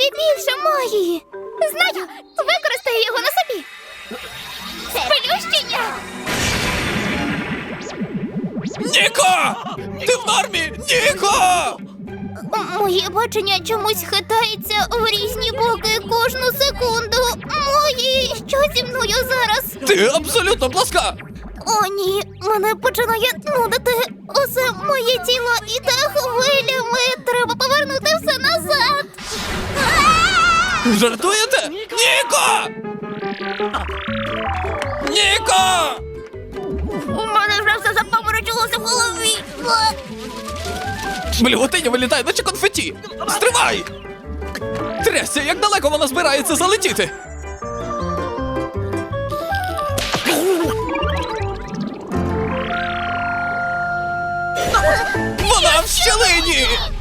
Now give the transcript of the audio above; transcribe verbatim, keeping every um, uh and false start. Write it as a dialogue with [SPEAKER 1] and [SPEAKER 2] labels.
[SPEAKER 1] тобі більше магії. Знаю, використаю його на собі. Сплющення!
[SPEAKER 2] Ніко! Ти в нормі? Ніко!
[SPEAKER 1] Моє бачення чомусь хитається в різні боки кожну секунду. Мої, що зі мною зараз?
[SPEAKER 2] Ти абсолютно пласка!
[SPEAKER 1] О, ні, мене починає нудити. Усе моє тіло іде хвилями. Треба повернути все назад.
[SPEAKER 2] Жартуєте? Ніко! Ніко!
[SPEAKER 1] У мене вже все запаморочилося в голові.
[SPEAKER 2] Блювотиня вилітає, наче конфеті! Стривай! Трясся, як далеко вона збирається залетіти? Вона в щелині!